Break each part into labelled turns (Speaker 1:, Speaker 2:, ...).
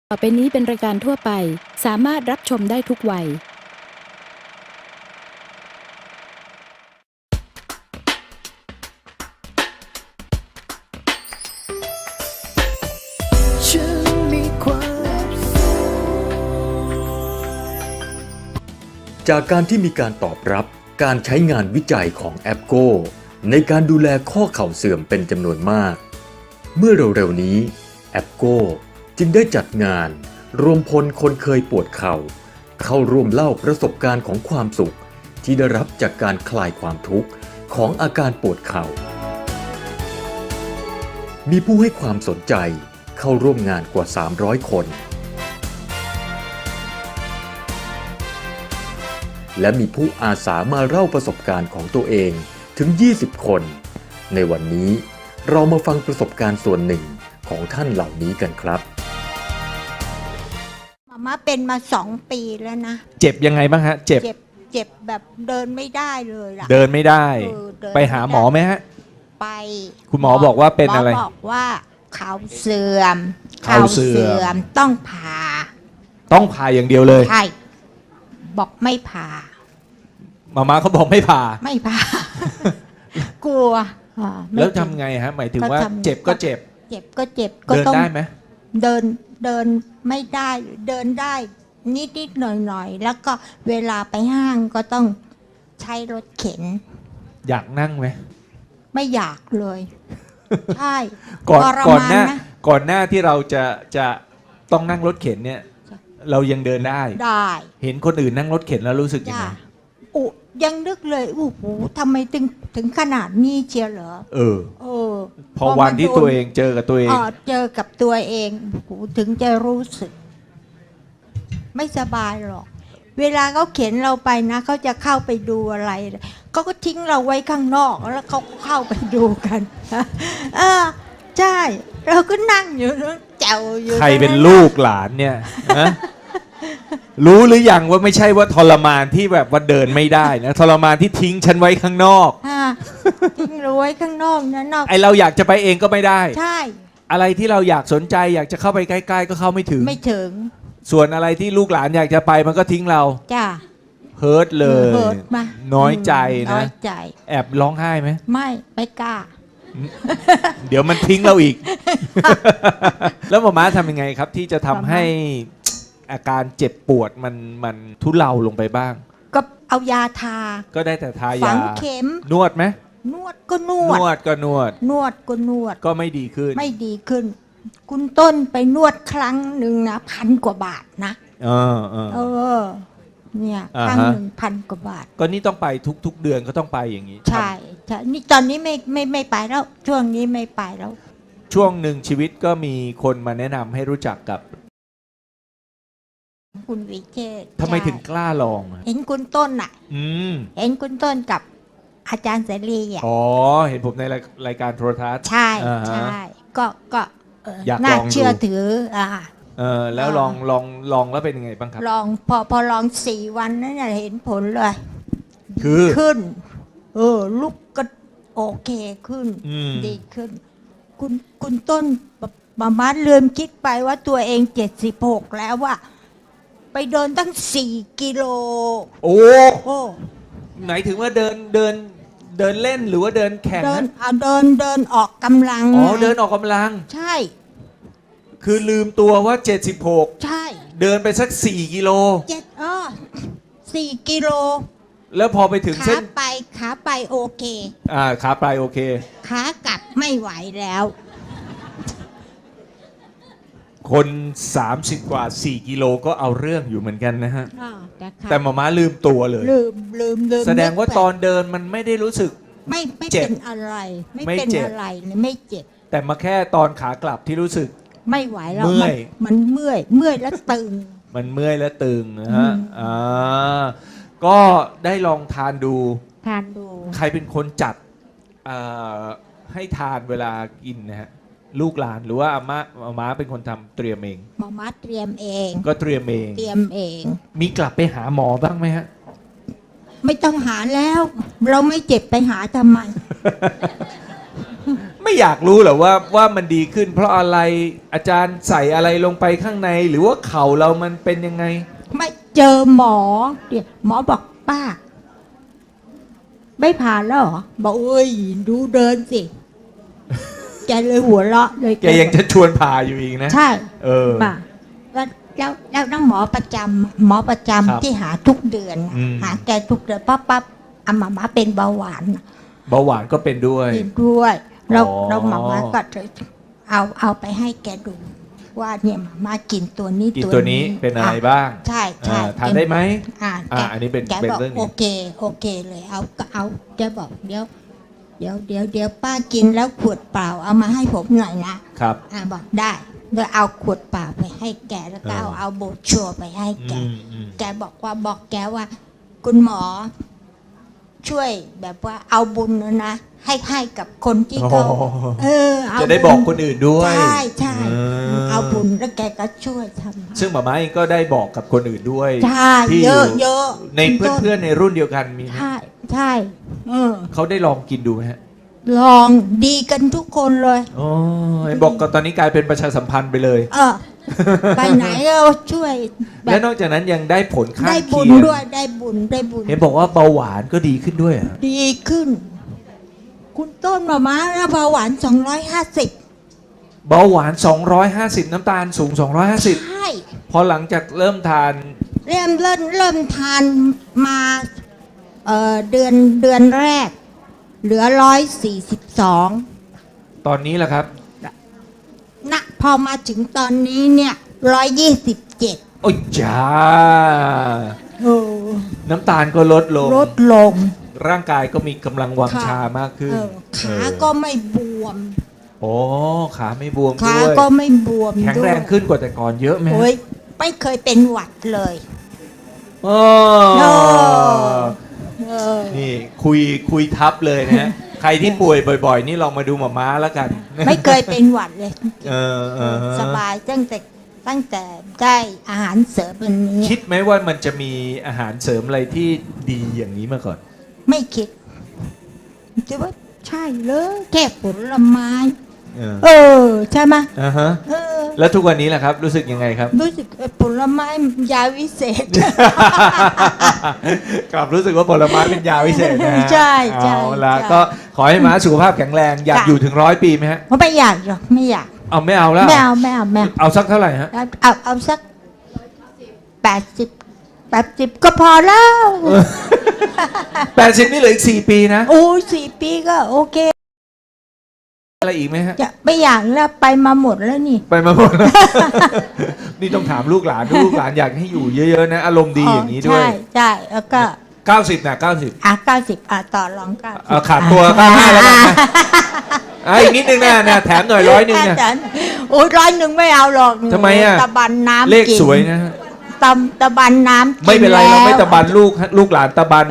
Speaker 1: ต่อไปนี้เป็นรายการทั่วไปสามารถรับชมได้ทุกวัย
Speaker 2: จากการที่มีการตอบรับการใช้งานวิจัยของแอปโกในการดูแลข้อเข่าเสื่อมเป็นจำนวนมากเมื่อเร็วๆนี้แอปโกจึงได้จัดงานรวมพลคนเคยปวดเข่าเข้าร่วมเล่าประสบการณ์ของความสุขที่ได้รับจากการคลายความทุกข์ของอาการปวดเข่ามีผู้ให้ความสนใจเข้าร่วมงานกว่า300คนและมีผู้อาสามาเล่าประสบการณ์ของตัวเองถึง20คนในวันนี้เรามาฟังประสบการณ์ส่วนหนึ่งของท่านเหล่านี้กันครับ
Speaker 3: มาเป็นมา2 ปีแล้วนะ
Speaker 4: เจ็บยังไงบ้างฮะเจ็บ
Speaker 3: แบบเดินไม่ได้เลยล่ะ
Speaker 4: เดินไม่ได้ไปหาหมอไหมฮะ
Speaker 3: ไป
Speaker 4: คุณหมอบอกว่าเป็นอะไร
Speaker 3: หมอบอกว่าเข่าเสื่อมต้องผ่า
Speaker 4: อย่างเดียวเลย
Speaker 3: ใช่บอกไม่ผ่า
Speaker 4: มาเขาบอกไม่ผ่าก
Speaker 3: กลัว
Speaker 4: แล้วทำไงฮะหมายถึงว่าเจ็บก็เจ็บ
Speaker 3: ก็
Speaker 4: ต้องเดินได้ไหม
Speaker 3: เดินไม่ได้เดินได้นิดหน่อยแล้วก็เวลาไปห้างก็ต้องใช้รถเข็น
Speaker 4: อยากนั่งไหม
Speaker 3: ไม่อยากเลยใช่
Speaker 4: ก่อนหน้าที่เราจะต้องนั่งรถเข็นเนี่ยเรายังเดินได้เห็นคนอื่นนั่งรถเข็นแล้วรู้สึกยังไง
Speaker 3: ยังนึกเลยโอ้โหทำไมถึงขนาดนี้เชียวเหรอ
Speaker 4: พอวันที่ตัวเองเจอกับตัวเอง
Speaker 3: ถึงจะรู้สึกไม่สบายหรอกเวลาเขาเข็นเราไปนะเขาจะเข้าไปดูอะไรเขาก็ทิ้งเราไว้ข้างนอกแล้วเขาเข้าไปดูกันใช่เราก็นั่งอยู่นั่งแจวอยู่
Speaker 4: ใครเป็นลูกหลานเนี่ยรู้หรือยังว่าไม่ใช่ว่าทรมานที่แบบว่าเดินไม่ได้นะทรมานที่ทิ้งฉันไว้ข้างนอก
Speaker 3: ทิ้งเราไว้ข้างนอกนะ
Speaker 4: ไอเราอยากจะไปเองก็ไม่ได้
Speaker 3: ใช่
Speaker 4: อะไรที่เราอยากสนใจอยากจะเข้าไปใกล้ๆก็เข้าไม่ถึงส่วนอะไรที่ลูกหลานอยากจะไปมันก็ทิ้งเรา
Speaker 3: จ้า
Speaker 4: เฮิร์ตเลยน้อยใจนะแอบร้องไห้ไหม
Speaker 3: ไม่กล้า
Speaker 4: เดี๋ยวมันทิ้งเราอีกแล้วหมอม้าทำยังไงครับที่จะทำให้อาการเจ็บปวดมันทุเลาลงไปบ้าง
Speaker 3: ก็เอายาทา
Speaker 4: ก็ได้แต่ทายาฝั
Speaker 3: งเข็ม
Speaker 4: นวดไหม
Speaker 3: นวดก็นวด
Speaker 4: ก็ไม่ดีขึ้
Speaker 3: นคุณต้นไปนวดครั้งหนึ่งนะ1,000 กว่าบาทนะเนี่ยครั้งหนึ่ง1,000 กว่าบาท
Speaker 4: ก็นี่ต้องไปทุกเดือนก็ต้องไปอย่างนี้
Speaker 3: ใช่นี่ตอนนี้ไม่ไปแล้วช่วงนี้ไม่ไปแล้ว
Speaker 4: ช่วงหนึ่งชีวิตก็มีคนมาแนะนำให้รู้จักกับ
Speaker 3: คุณวิเชษฐ์
Speaker 4: ทำไมถึงกล้าลอง
Speaker 3: เห็นคุณต้นเห็นคุณต้นกับอาจารย์เสรี
Speaker 4: เห็นผมในรายการโทรทัศน์
Speaker 3: ใช่ก็น่าเชื่อถือ
Speaker 4: แล้วลองแล้วเป็นยังไงบ้างครับ
Speaker 3: ลองพอลอง4 วันนั้นเห็นผลเลย
Speaker 4: ขึ้น
Speaker 3: ลุกก็โอเคขึ้นดีขึ้นคุณต้นมาลืมคิดไปว่าตัวเอง76แล้วว่าไปเดินตั้ง4 กิโล
Speaker 4: โอ้ไหนถึงว่าเดินเล่นหรือว่าเดินแข่ง
Speaker 3: เดินออกกำลัง
Speaker 4: เดินออกกำลัง
Speaker 3: ใช่
Speaker 4: คือลืมตัวว่า76
Speaker 3: ใช่
Speaker 4: เดินไปสัก4 กิโล
Speaker 3: 4 กิโล
Speaker 4: แล้วพอไปถึงเส้น
Speaker 3: ขาไปโอเค
Speaker 4: ขาไปโอเค
Speaker 3: ขากลับไม่ไหวแล้ว
Speaker 4: คน30 กว่า4 กิโลก็เอาเรื่องอยู่เหมือนกันนะฮะแต่หมอม้าลืมตัวเลย
Speaker 3: ลืม
Speaker 4: แสดงว่าตอนเดินมันไม่ได้รู้สึก
Speaker 3: ไม่เป็นอะไรไม่เป็นอะไรเลยไม่เจ็บ
Speaker 4: แต่มาแค่ตอนขากลับที่รู้สึก
Speaker 3: ไม่ไหวแล้วมันเมื่อยแล้วตึง
Speaker 4: มันเมื่อยแล้วตึงนะฮะก็ได้ลองทานดูใครเป็นคนจัดให้ทานเวลากินนะฮะลูกหลานหรือว่าอาม่าเป็นคนทำเตรียมเอง
Speaker 3: ม่าเตรียมเอง
Speaker 4: ก็เตรียมเองมีกลับไปหาหมอบ้างไหมฮะ
Speaker 3: ไม่ต้องหาแล้วเราไม่เจ็บไปหาทำไม
Speaker 4: ไม่ไม่อยากรู้เหรอว่ามันดีขึ้น เพราะอะไรอาจารย์ใส่อะไรลงไปข้างใน หรือว่าเข่าเรามันเป็นยังไง
Speaker 3: ไม่เจอหมอเดี๋ยวหมอบอกป้า ไม่ผ่านแล้วเหรอบอกเอ้ยดูเดินสิแกเลยหัวเราะเลย
Speaker 4: แกยังจะชวนผ่าอยู่อีกนะ
Speaker 3: ใช่
Speaker 4: เออ
Speaker 3: ป่ะแล้วน้องหมอประจำหมอประจำ
Speaker 4: ครับ
Speaker 3: ที่หาทุกเดือนน่ะ
Speaker 4: อืม
Speaker 3: หาแกทุกเดือนปั๊บอาหมาเป็นเบาหวานน่ะ
Speaker 4: เบาหวานก็เป็นด้วย
Speaker 3: เป็นด้วยเรา
Speaker 4: อ๋อ
Speaker 3: เราหมาก็เอาไปให้แกดู ว่าเนี่ยหมากินตัวนี้
Speaker 4: กินตัวนี้เป็นอะไรบ้าง
Speaker 3: ใช่ใช่
Speaker 4: ทานได้ไหม
Speaker 3: แก
Speaker 4: อันนี้เป็น
Speaker 3: แก
Speaker 4: เป็น
Speaker 3: บอก
Speaker 4: เรื่อง
Speaker 3: โอ
Speaker 4: นี้
Speaker 3: เคโอเคเลยเอาแกบอกเดี๋ยวป้ากินแล้วขวดเปล่าเอามาให้ผมหน่อยนะครับ บอกได้แล้วเอาขวดเปล่าไปให้แกแล้วก็เอาโบรชัวร์ไปให้แก แกบอกแกว่า คุณหมอ ช่วยแบบว่าเอาบุญนะให้กับคนที่เขา
Speaker 4: โอ้
Speaker 3: เอา
Speaker 4: จะได้บอกคนอื่นด้วย
Speaker 3: ใช่ เอาบุญแล้วแกก็ช่วยทำ
Speaker 4: ซึ่งหมาม้าเองก็ได้บอกกับคนอื่นด้วย
Speaker 3: ใช่
Speaker 4: ที่
Speaker 3: เยอะเยอะ
Speaker 4: ในเพื่อนๆในรุ่นเดียวกันมีไหม
Speaker 3: ใช่
Speaker 4: เขาได้ลองกินดูไหมฮะ
Speaker 3: ลองดีกันทุกคนเลย
Speaker 4: อ๋อเห็นบอกก็ตอนนี้กลายเป็นประชาสัมพันธ์ไปเลย
Speaker 3: ไปไหนก็ช่วยแบ
Speaker 4: และ
Speaker 3: บ
Speaker 4: นอกจากนั้นยังได้ผลข้าง
Speaker 3: ได้บุ
Speaker 4: เคี
Speaker 3: ญ
Speaker 4: ยง
Speaker 3: ด้วยได้บุญ
Speaker 4: เห็นบอกว่าเบาหวานก็ดีขึ้นด้วยเหรอ
Speaker 3: ดีขึ้น คุณต้นมาเบาหวาน250
Speaker 4: เบาหวาน 250 น้ำตาลสูง 250
Speaker 3: ใช่
Speaker 4: พอหลังจากเริ่มทาน
Speaker 3: เริ่มทานมาเดือนแรก เหลือ142
Speaker 4: ตอนนี้แหละครับ
Speaker 3: นะพอมาถึงตอนนี้เนี่ย127
Speaker 4: โอ้ยจ้า
Speaker 3: โอ้
Speaker 4: น้ำตาลก็ลดลง
Speaker 3: ลดลง
Speaker 4: ร่างกายก็มีกำลังวังชามากขึ้น
Speaker 3: ขาก็ไม่บวม
Speaker 4: โอ้ขาไม่บวม
Speaker 3: ขา
Speaker 4: ด้วย
Speaker 3: ก็ไม่บวม
Speaker 4: แข็งแรง
Speaker 3: ด้วย
Speaker 4: ขึ้นกว่าแต่ก่อนเยอะไหมฮะ
Speaker 3: โอ้ยไม่เคยเป็นหวัดเลย
Speaker 4: โอ้
Speaker 3: เออ
Speaker 4: นี่คุยทับเลยนะฮะ ใครที่ป่วยบ่อย ๆ นี่ลองมาดูหมอม้าแล้วกัน
Speaker 3: ไม่เคยเป็นหวัดเลย
Speaker 4: เออ
Speaker 3: สบายตั้งแต่ได้อาหารเสริมอันนี้
Speaker 4: คิดไหมว่ามันจะมีอาหารเสริมอะไรที่ดีอย่างนี้มาก่อน
Speaker 3: ไม่คิดจะว่าใช่เลยแค่ผลไม้ ใช่ไหม
Speaker 4: อ่าฮะ
Speaker 3: เออ
Speaker 4: แล้วทุกวันนี้แหละครับ รู้สึกยังไงครับ
Speaker 3: รู้สึกผลไม้ยาวิเศษ
Speaker 4: กลับรู้สึกว่าผลไม้เป็นยาวิเศษนะฮะ
Speaker 3: ใช่ใช่
Speaker 4: เอาละ
Speaker 3: ใช่
Speaker 4: ก็ขอให้ม้าสุขภาพแข็งแรง อยาก
Speaker 3: ค่ะ
Speaker 4: อยู่ถึง100 ปีไหมฮะ
Speaker 3: เพราะไม่อยากหรอกไม่อยาก
Speaker 4: เอาไม่เอาแล้ว
Speaker 3: ไม่เอา
Speaker 4: เอาสักเท่าไหร่ฮะ
Speaker 3: เอาสัก80ก็พอแล้ว
Speaker 4: 80 นี่เหลืออีก4 ปีนะ
Speaker 3: โอ้4 ปีก็โอเค
Speaker 4: อะไรอีกไหมฮะ
Speaker 3: จะไม่อยากแล้วไปมาหมดแล้วนี่
Speaker 4: ไปมาหมดแล้ว นี่ต้องถามลูกหลานลูกหลานอยากให้อยู่เยอะๆนะ อารมณ์ดีอย่างนี้ด้วย
Speaker 3: ใช่แล้วก็
Speaker 4: 90นะ90
Speaker 3: 90ต่อรอง90
Speaker 4: เอาขาดตัว95แล้วกันนะอีกนิดนึงนะแถมหน่อย100นะ
Speaker 3: โอ้ย100ไม่เอาหรอก
Speaker 4: ทำไมอะ
Speaker 3: ตะบันน้ำ
Speaker 4: เลข
Speaker 3: กิน
Speaker 4: สวยนะฮะ
Speaker 3: ตะบันน้ำกิน
Speaker 4: ไม่เป็นไรเราไม่
Speaker 3: แล้ว
Speaker 4: ตะบันลูกหลานตะบัน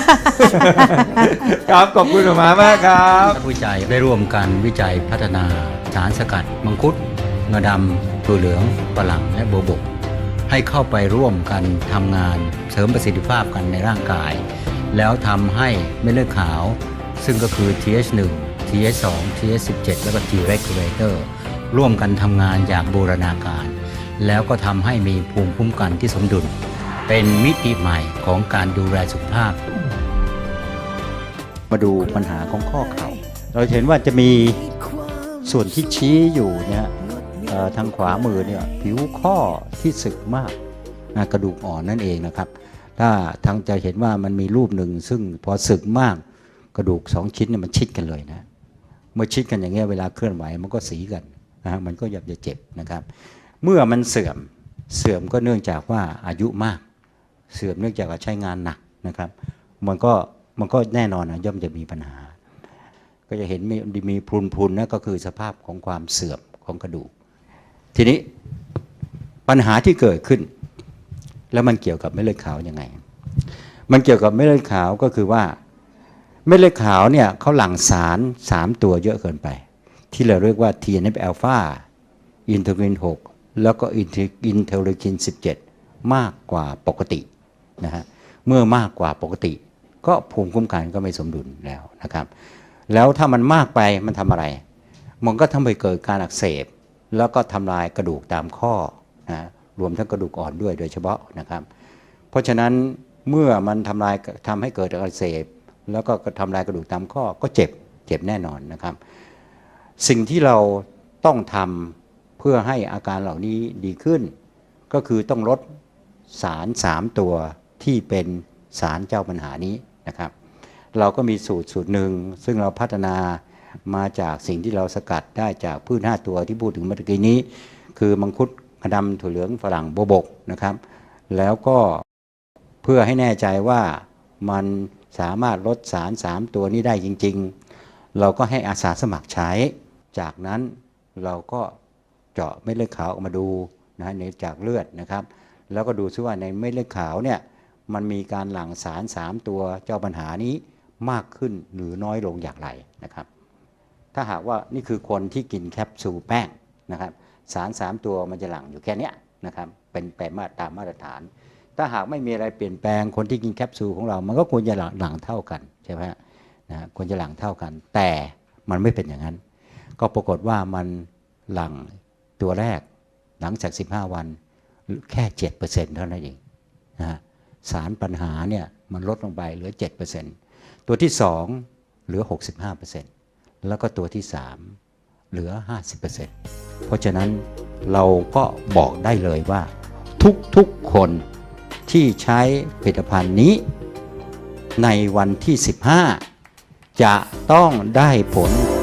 Speaker 4: ครับขอบคุณหมอมากครับ
Speaker 5: นักวิจัยได้ร่วมกันวิจัยพัฒนาสารสกัด มังคุดงาดำตัวเหลืองฝรั่งและโบวบก ให้เข้าไปร่วมกันทำงานเสริมประสิทธิภาพกันในร่างกาย แล้วทำให้เม็ดเลือดขาว ซึ่งก็คือ TH1 TH2 TH17 และก็ T regulator ร่วมกันทำงานอย่างบูรณาการ แล้วก็ทำให้มีภูมิคุ้มกันที่สมดุล เป็นมิติใหม่ของการดูแลสุขภาพ
Speaker 6: มาดูปัญหาของข้อเข่า เราเห็นว่าจะมีส่วนที่ชี้อยู่เนี่ยทางขวามือเนี่ยผิวข้อที่สึกมากกระดูกอ่อนนั่นเองนะครับ ถ้าทางจะเห็นว่ามันมีรูปหนึ่งซึ่งพอสึกมากกระดูก2 ชิ้นเนี่ยมันชิดกันเลยนะเมื่อชิดกันอย่างเงี้ยเวลาเคลื่อนไหวมันก็สีกันนะฮะมันก็จะเจ็บนะครับ เมื่อมันเสื่อมก็เนื่องจากว่าอายุมากเสื่อมเนื่องจากว่าใช้งานหนักนะครับมันก็แน่นอนนะย่อมจะมีปัญหา ก็จะเห็นมีพรุนๆนะก็คือสภาพของความเสื่อมของกระดูกทีนี้ปัญหาที่เกิดขึ้นแล้วมันเกี่ยวกับเม็ดเลือดขาวยังไงมันเกี่ยวกับเม็ดเลือดขาวก็คือว่าเม็ดเลือดขาวเนี่ยเขาหลั่งสาร3 ตัวเยอะเกินไปที่เราเรียกว่า TNF อ l p h a อินเทอร์ลีน6แล้วก็อินเทอร์ลีน17มากกว่าปกตินะฮะเมื่อมากกว่าปกติก็ภูมิคุ้มกันก็ไม่สมดุลแล้วนะครับแล้วถ้ามันมากไปมันทำอะไรมันก็ทำให้เกิดการอักเสบแล้วก็ทำลายกระดูกตามข้อนะรวมทั้งกระดูกอ่อนด้วยโดยเฉพาะนะครับเพราะฉะนั้นเมื่อมันทำให้เกิดอักเสบแล้วก็ทำลายกระดูกตามข้อก็เจ็บแน่นอนนะครับสิ่งที่เราต้องทำเพื่อให้อาการเหล่านี้ดีขึ้นก็คือต้องลดสาร3ตัวที่เป็นสารเจ้าปัญหานี้นะครับเราก็มีสูตรหนึ่งซึ่งเราพัฒนามาจากสิ่งที่เราสกัดได้จากพืช5ตัวที่พูดถึงเมื่อกี้นี้คือมังคุดงาดำถั่วเหลืองฝรั่งโบวบกนะครับแล้วก็เพื่อให้แน่ใจว่ามันสามารถลดสาร3ตัวนี้ได้จริงๆเราก็ให้อาสาสมัครใช้จากนั้นเราก็เจาะเม็ดเลือดขาวออกมาดูนะในจากเลือดนะครับแล้วก็ดูซิว่าในเม็ดเลือดขาวเนี่ยมันมีการหลั่งสาร3ตัวเจ้าปัญหานี้มากขึ้นหรือน้อยลงอย่างไรนะครับถ้าหากว่านี่คือคนที่กินแคปซูลแป้งนะครับสาร3ตัวมันจะหลั่งอยู่แค่นี้นะครับเป็นแปรตามมาตรฐานถ้าหากไม่มีอะไรเปลี่ยนแปลงคนที่กินแคปซูลของเรามันก็ควรจะหลั่งเท่ากันใช่ไหมนะควรจะหลั่งเท่ากันแต่มันไม่เป็นอย่างนั้นก็ปรากฏว่ามันหลั่งตัวแรกหลังจาก15วันแค่ 7% เท่านั้นเองนะสารปัญหาเนี่ยมันลดลงไปเหลือ 7% ตัวที่2เหลือ 65% แล้วก็ตัวที่3เหลือ 50% เพราะฉะนั้นเราก็บอกได้เลยว่าทุกคนที่ใช้ผลิตภัณฑ์นี้ในวันที่15จะต้องได้ผล